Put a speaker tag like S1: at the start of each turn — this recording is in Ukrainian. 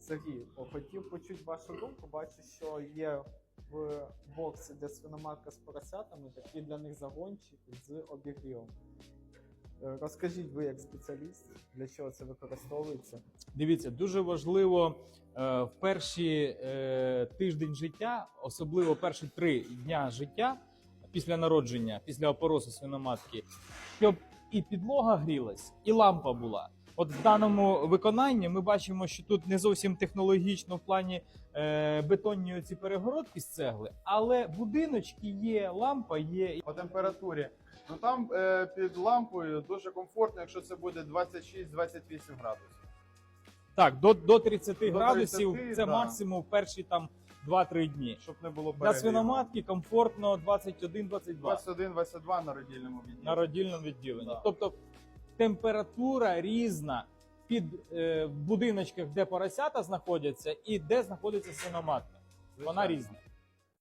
S1: Сергій, хотів почути вашу думку. Бачу, що є в боксі для свиноматка з поросятами такий для них загончик з обігрівом. Розкажіть ви як спеціаліст, для чого це використовується?
S2: Дивіться, дуже важливо в перші тиждень життя, особливо перші 3 дня життя після народження, після опоросу свиноматки, щоб і підлога грілась, і лампа була. От в даному виконанні ми бачимо, що тут не зовсім технологічно в плані бетонні оці перегородки з цегли, але будиночки є, лампа є.
S3: По температурі. Ну там під лампою дуже комфортно, якщо це буде 26-28 градусів.
S2: Так, до 30 градусів
S3: 30,
S2: це
S3: да.
S2: максимум в перші там 2-3 дні.
S3: Щоб не було
S2: Для
S3: перегріву.
S2: свиноматки комфортно 21-22
S3: 21-22 на родільному відділенні.
S2: на родільному відділенні.
S3: Да.
S2: Тобто температура різна в будиночках, де поросята знаходяться, і де знаходиться свиноматка. Вона
S3: Звичайно.
S2: різна.